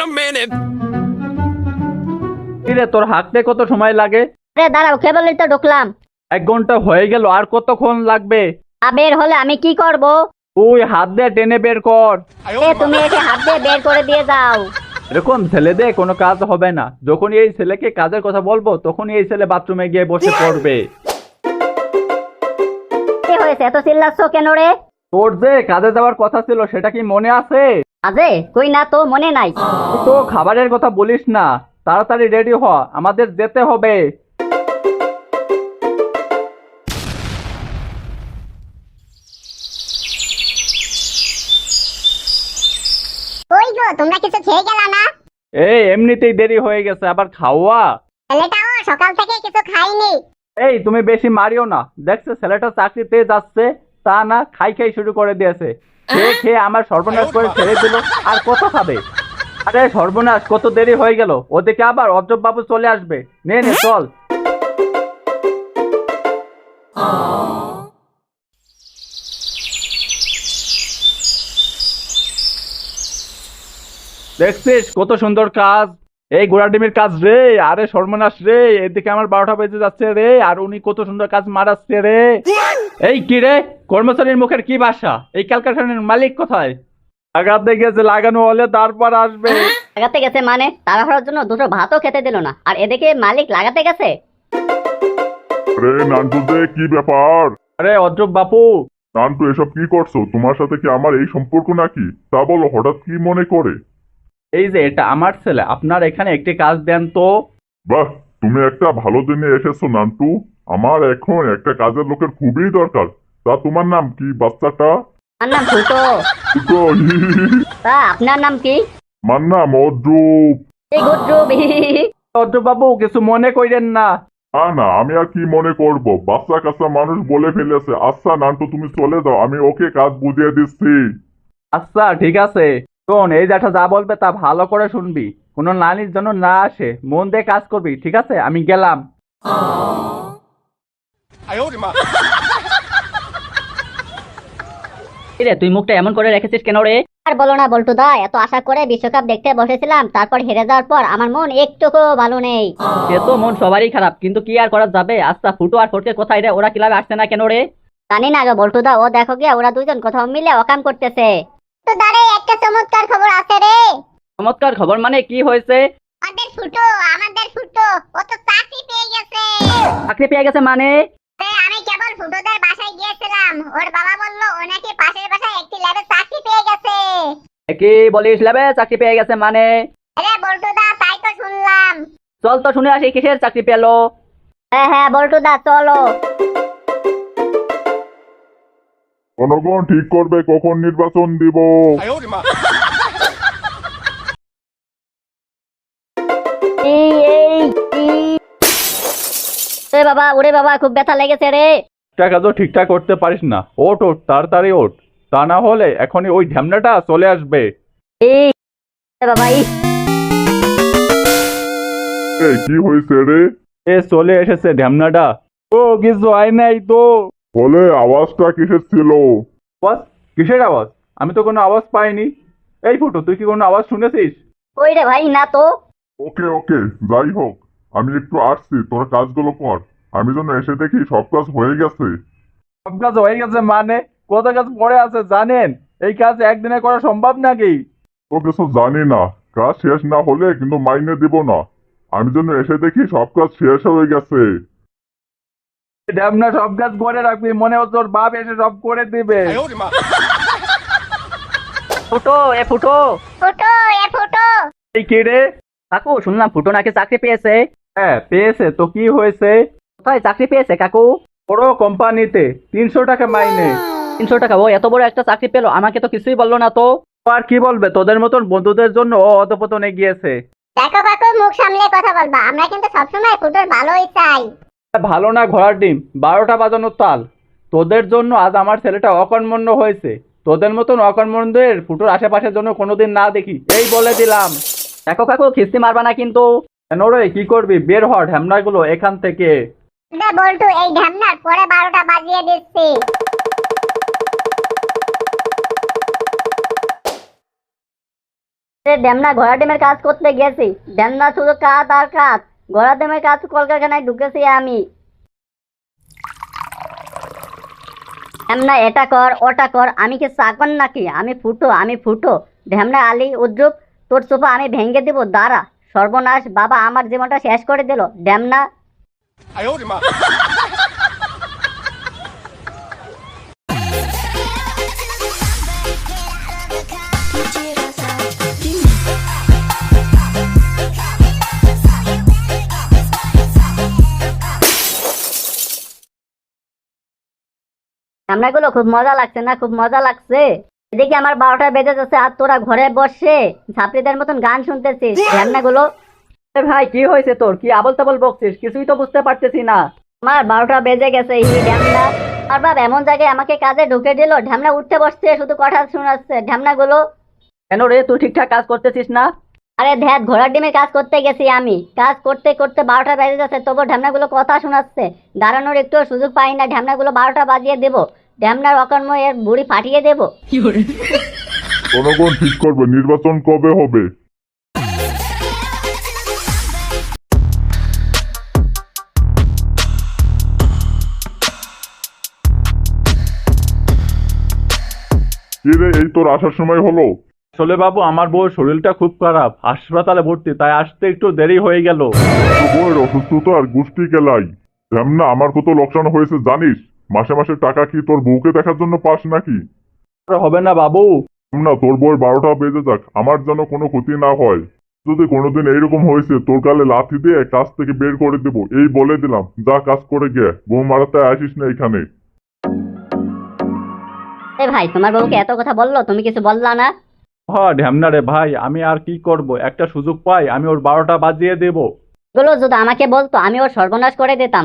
কিরে তোর হাঁটতে কত সময় লাগে? দাঁড়াও, কেবলই তো ঢুকলাম। 1 ঘন্টা হয়ে গেল, আর কতক্ষণ লাগবে? বের হলে আমি কি করব? তুই হাত দিয়ে টেনে বের কর। তুমি এসে হাত দিয়ে বের করে দিয়ে যাও। এরকম ছেলে দিয়ে কোনো কাজ হবে না। যখন এই ছেলেকে কাজের কথা বলবো তখন এই ছেলে বাথরুমে গিয়ে বসে পড়বে। কি হয়েছে, এত চিল্লাচ্ছ কেন রে? তোর যে কাজে যাওয়ার কথা ছিল সেটা কি মনে আছে? আজে কই না তো, মনে নাই। তুই তো খাবারের কথা বলিস না। তাড়াতাড়ি রেডি হ, আমাদের যেতে হবে। ওই গো, তোমরা কিছু খেয়ে গেলা না? এই এমনিতেই দেরি হয়ে গেছে, আবার খাওয়া? ছেলেটাও সকাল থেকে কিছু খাইনি। এই তুমি বেশি মারিও না। দেখছে ছেলেটা চাকরিতে যাচ্ছে, তা না খাই খাই শুরু করে দিয়েছে। খেয়ে খেয়ে আমার সর্বনাশ করে ছেড়ে দিল, আর কত খাবে? আরে সর্বনাশ, কত দেরি হয়ে গেল। ওদিকে আবার অজব বাবু চলে আসবে। নে নে চল। দেখছিস কত সুন্দর কাজ, এই ঘোড়া ডিমের কাজ রে। আরে সর্বনাশ রে, এদিকে আমার 12টা বেজে যাচ্ছে রে, আর উনি কত সুন্দর কাজ মারাচ্ছে রে। এই কি রে, কর্মচারীর মুখের কি ভাষা? এই কারখানার মালিক কোথায়? লাগাতে গেছে, লাগানো হলে তারপর আসবে। লাগাতে গেছে মানে? তাড়াহুড়োর জন্য দুটো ভাতও খেতে দিল না, আর এদিকে মালিক লাগাতে গেছে। আরে নান্টু দে, কি ব্যাপার? আরে অজব বাপু। নান্টু, এসব কি করছো? তোমার সাথে কি আমার এই সম্পর্ক নাকি? তা বলো, হঠাৎ কি মনে করে? এই যে এটা আমার ছেলে, আপনার এখানে একটি কাজ দেন তো। বাহ, তুমি একটা ভালো দিনে এসেছো নান্টু। আমার এখন একটা কাজের লোকের খুবই দরকার। তা তোমার নাম কি বাচ্চাটা? আমার নাম ফুটো। ফুটো, তা আপনার নাম কি? আমার নাম অদ্রুপ। এই গুড্রুব। অজব বাবু কিছু মনে করেন না। না, আমি আর কি মনে করব, বাচ্চা কাচ্চা মানুষ বলে ফেলেছে। আচ্ছা নান্টু, তুমি চলে যাও, আমি ওকে কাজ বুঝিয়ে দিচ্ছি। আচ্ছা ঠিক আছে। শোন, এই জ্যাঠা যা বলবে তা ভালো করে শুনবি। কোনো নানির জন্য না আসে, মন দিয়ে কাজ করবি, ঠিক আছে? আমি গেলাম। রে, তুই মুখটা এমন করে রেখেছিস কেন রে? আর বলো না বল্টু দা, এত আশা করে বিশ্বকাপ দেখতে বসেছিলাম, তারপর হেরে যাওয়ার পর আমার মন একটুকু ভালো নেই। সে তো মন সবারই খারাপ, কিন্তু কি আর করা যাবে। আচ্ছা ফুটো আর ফটকে কোথায় রে? ওরা ক্লাবে আসছে না কেন রে? জানি না গো বল্টু দা, ও দেখো গিয়া ওরা দুজন কোথাও মিলে অকাম করতেছে। তো দাঁড়ে, একটা চমৎকার খবর আছে রে। চমৎকার খবর মানে কি হয়েছে? আমাদের ফুটো ও তো চাকরি পেয়ে গেছে। চাকরি পেয়ে গেছে মানে? আমি কেবল ফুটোদের বাসায় গিয়েছিলাম, ওর বাবা বলল ও নাকি পাশের বাসায় একটি ল্যাবে চাকরি পেয়ে গেছে। কি বলিস, লেবে চাকরি পেয়ে গেছে মানে? আরে বল্টু দা, তাই তো শুনলাম। চল তো শুনে আসি, কিসের চাকরি পেলো? হ্যাঁ হ্যাঁ বল্টু দা, চলো। জনগণ ঠিক করবে কখন নির্বাচন দিব। এই এই এই। এ বাবা, ওরে বাবা, খুব ব্যথা লেগেছে রে। টাকা তো ঠিকঠাক করতে পারিস না। ওঠ ওঠ, তাড়াতাড়ি ওঠ, তা না হলে এখনই ওই ঢ্যামনাটা চলে আসবে। এই এ বাবা, এই কি হয়েছে রে? এ চলে এসেছে ঢ্যামনাটা। ও কিছু হয় নাই তো। বলে আওয়াজটা কিসের ছিল? আওয়াজ? কিসের আওয়াজ? আমি তো কোনো আওয়াজ পাইনি। এই ফুটো, তুই কি কোনো আওয়াজ শুনেছিস? ওই রে ভাই, না তো। ওকে ওকে, যাই হোক, আমি একটু আসছি, তোর কাজগুলো কর। আমি যেন এসে দেখি সব কাজ হয়ে গেছে। সব কাজ হয়ে গেছে মানে? কত কাজ পড়ে আছে জানেন? এই কাজ একদিনে করা সম্ভব নাকি? তো কিছু জানি না, কাজ শেষ না হলে কিন্তু মাইনে দিব না। আমি যেন এসে দেখি সব কাজ শেষ হয়ে গেছে। ঢ্যামনা সব কাজ করে রাখবি, মনে হচ্ছে তোর বাপ এসে সব করে দিবে। ফুটো, এ ফুটো। ফুটো। এই কে রে? কাকু, শুনলাম ফুটো নাকি চাকরি পেয়েছে। হ্যাঁ পেয়েছে তো, কি হয়েছে? কোথায় চাকরি পেয়েছে কাকু? বড় কোম্পানিতে, 300 টাকা মাইনে। 300 টাকা? ও এত বড় একটা চাকরি পেলো, আমাকে তো কিছুই বললো না তো। ও আর কি বলবে, তোদের মতন বন্ধুদের জন্য ও অধপতনে গিয়েছে। দেখো কাকু, মুখ সামলে কথা বলবা, আমরা কিন্তু সবসময় ফুটোর ভালোই চাই। ভালো না ঘোড়ার ডিম, 12টা বাজানোর তাল। তোদের জন্য আজ আমার ছেলেটা অকর্মণ্য হয়েছে। তোদের মতন অকর্মণ্যদের ফুটোর আশেপাশের জন্য কোনোদিন না দেখি, এই বলে দিলাম। দেখো কাকু, খিস্তি মারবা না কিন্তু। কেন রে, কি করবি? বের হ ঢ্যামনাগুলো এখান থেকে। বল্টু, এই ঢ্যামনার পরে 12টা বাজিয়ে দিচ্ছি। ড্যামনা ঘোড়া ডিমের কাজ করতে গেছি, ড্যামনা শুধু কাজ আর কাজ। ঘোড়া ডিমের কাজ কলকারখানায় ঢুকেছি আমি। ড্যামনা এটা কর ওটা কর, আমি কি চাকর নাকি? আমি ফুটো। ঢ্যামনা আলী উদ্রুপ, তোর সোফা আমি ভেঙে দিব, দাঁড়া। সর্বনাশ, বাবা আমার জীবনটা শেষ করে দিল ড্যামনা। রান্নাগুলো খুব মজা লাগছে না? খুব মজা লাগছে। এদিকে আমার 12টা বেজে যাচ্ছে আর তোরা ঘরে বসে ছাত্রীদের মতন গান শুনতেছিস। রান্নাগুলো ভাই কি হয়েছে তোর? কি আবল তাবল বকছিস? কিছুই তো বুঝতে পারতেছি না। আমার 12টা বেজে গেছে। ঢ্যামনা আর বাপ এমন জায়গায় আমাকে কাজে ঢুকে দিল, ঢ্যামনা উঠতে বসছে, শুধু কথা শোনাচ্ছে। ঢ্যামনাগুলো কেন রে, তুই ঠিকঠাক কাজ করতেছিস না? আরে ধ্যাত, ঘোড়ার ডিমে কাজ করতে গেছি আমি। কাজ করতে করতে 12টা বেজে যাচ্ছে, তবু ঢ্যামনাগুলো কথা শোনাচ্ছে। দাঁড়ানোর একটু সুযোগ পাই না। ঢ্যামনাগুলো 12টা বাজিয়ে দেবো। ঢ্যামনার অকর্ম এর বুড়ি ফাটিয়ে দেবো। জনগণ ঠিক করবে নির্বাচন কবে হবে। কি রে, এই তোর আসার সময় হলো? আসলে বাবু আমার বউর শরীরটা খুব খারাপ, হাসপাতালে ভর্তি, তাই আসতে একটু দেরি হয়ে গেল। তোর বউয়ের অসুস্থতা আর গোষ্ঠী কেলাই। না, আমার কত লোকসান হয়েছে জানিস? মাসে মাসে টাকা কি তোর বউকে দেখার জন্য পাস নাকি? আর হবে না বাবু। না, তোর বউয়ের 12টা বেজে যাক, আমার যেন কোনো ক্ষতি না হয়। যদি কোনোদিন এইরকম হয়েছে তোর গালে লাথি দিয়ে কাজ থেকে বের করে দেবো, এই বলে দিলাম। যা কাজ করে গে, বউ মারাতে আসিস না এখানে। ভাই, তোমার বউকে এত কথা বললো, তুমি কিছু বললা না? হ্যাঁ ঢ্যামনা রে ভাই, আমি আর কি করব, একটা সুযোগ পাই আমি ওর 12টা বাজিয়ে দেব। এগুলো যদি আমাকে বলতো আমি ওর সর্বনাশ করে দিতাম।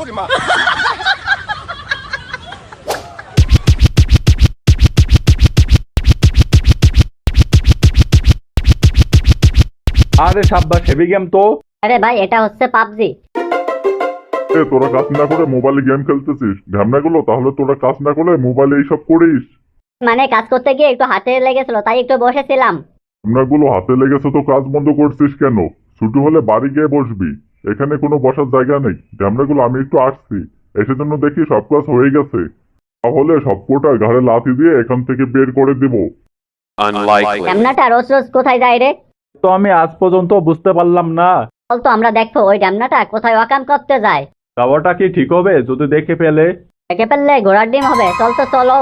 আরে সাব্বাস, হেভি গেম তো। আরে ভাই, এটা হচ্ছে পাবজি। তোরা কাজ না করে মোবাইলে গেম খেলতেছিস ঢ্যামনাগুলো? তাহলে তোরা কাজ না করে মোবাইলে এইসব করিস? মানে কাজ করতে গিয়ে একটু হাতে লেগেছিল, তাই একটু বসেছিলাম। ঢ্যামনাগুলো হাতে লেগেছে তো কাজ বন্ধ করছিস কেন? ছুটি হলে বাড়ি গিয়ে বসবি, এখানে কোনো বসার জায়গা নেই। ঢ্যামনাগুলো আমি একটু আসছি, এসে জন্য দেখি সব কাজ হয়ে গেছে। তাহলে সবকটা ঘাড়ে লাথি দিয়ে এখান থেকে বের করে দিব। ড্যামনাটা রোজ রোজ কোথায় যায় রে? তো আমি আজ পর্যন্ত বুঝতে পারলাম না। বলতো আমরা দেখবো ওই ড্যামনাটা কোথায় ওয়াকাম করতে যায়। খাবারটা কি ঠিক হবে যদি দেখে ফেলে? দেখে ফেললে ঘোড়ার ডিম হবে। চল তো, চলো।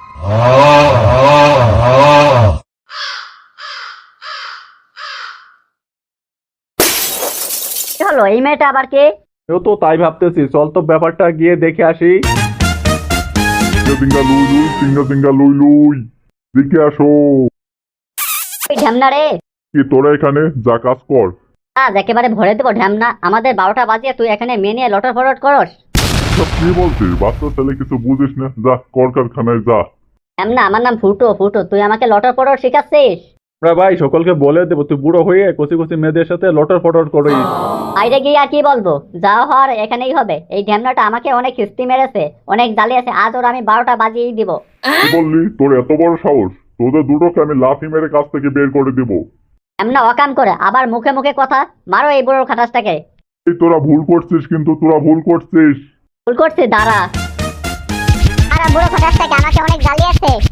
কি হলো, এই মেয়েটা আবার কে? কেউ তো তাই ভাবতেছি, চল তো ব্যাপারটা গিয়ে দেখে আসি। সিঙ্গা লুই লুই, সিঙ্গা লুই লুই, দিকে আসো। ওই ঢ্যামনা রে। কি তোরা এখানে যা কাজ কর। আজ একেবারে ভরে দেবো ঢ্যামনা। আমাদের 12টা বাজিয়ে তুই এখানে মেয়ে নিয়ে লটর ফটর করস। সব কি বলছিস? বাচ্চা ছেলে কিছু বুঝিস না, যা কলকারখানায় যা। ঢ্যামনা, আমার নাম ফুটো। তুই আমাকে লটর ফটর শিখাচ্ছিস? আমরা ভাই সকলকে বলে দেবো তুই বুড়ো হয়ে কচি কচি মেয়েদের সাথে লটর ফটর করিস। বাইরে গিয়ে আর কি বলবো? যা হওয়ার এখানেই হবে। এই ঢ্যামনাটা আমাকে অনেক কিস্তি মেরেছে, অনেক জ্বালিয়েছে। আজ ওর আমি 12টা বাজিয়েই দিব। কি বললি? তোর এত বড় সাহস? তোদের দুটোকে আমি লাথি মেরে কাছ থেকে বের করে দিব। ঢ্যামনা অকাম করে আবার মুখে মুখে কথা। মারো এই বুড়োর খাটাসটাকে। এই তোরা ভুল করছিস, কিন্তু তোরা ভুল করছিস। ভুল করছি, দাঁড়া। আর বুড়ো খটাসটাকে আমাকে অনেক জ্বালিয়েছে।